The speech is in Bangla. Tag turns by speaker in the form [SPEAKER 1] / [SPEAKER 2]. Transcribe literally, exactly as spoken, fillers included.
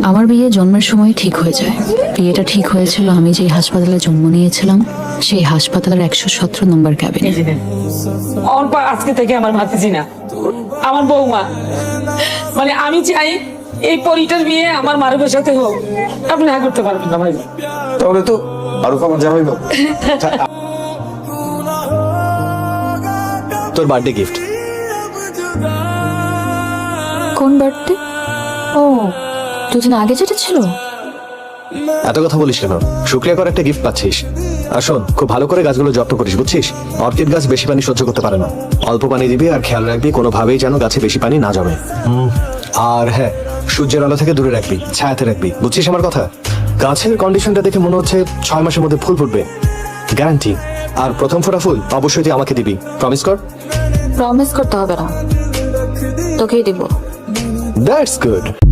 [SPEAKER 1] আমার বিয়ে জন্মের সময় ঠিক হয়ে যায়। বিয়েটা ঠিক হয়েছিল আমি যেই হাসপাতালে জন্ম নিয়েছিলাম, সেই হাসপাতালের একশো সতেরো নম্বর ক্যাবিনে।
[SPEAKER 2] অল্প আজকে থেকে আমার ভাতিজি না, আমার বৌমা। মানে আমি চাই এই পরিটার বিয়ে আমার মারুফের সাথে হোক। আপনি না করতে পারবেন না ভাই।
[SPEAKER 3] তাহলে তো আরো আমার জামাই বাবু।
[SPEAKER 4] তোর বার্থডে গিফট।
[SPEAKER 1] কোন বার্থডে? ও, দুদিন আগে যেটা ছিল।
[SPEAKER 4] এত কথা বলিস কেন? শুক্রিয়া করে একটা গিফট পাচ্ছিস। আর শোন, খুব ভালো করে গাছগুলো যত্ন করিস, বুঝছিস? অর্কিড গাছ বেশি পানি সহ্য করতে পারে না। অল্প পানি দিবি আর খেয়াল রাখবি কোনোভাবেই যেন গাছে বেশি পানি না জমে। হুম, আর হ্যাঁ, সূর্যের আলো থেকে দূরে রাখবি, ছায়াতে রাখবি, বুঝছিস আমার কথা? গাছের কন্ডিশনটা দেখে মনে হচ্ছে ছয় মাসের মধ্যে ফুল ফুটবে, গ্যারান্টি। আর প্রথম ফোটা ফুল অবশ্যই তুই আমাকে দিবি, প্রমিস কর।
[SPEAKER 1] প্রমিস করতে হবে না, তোকেই দিব।
[SPEAKER 4] That's good.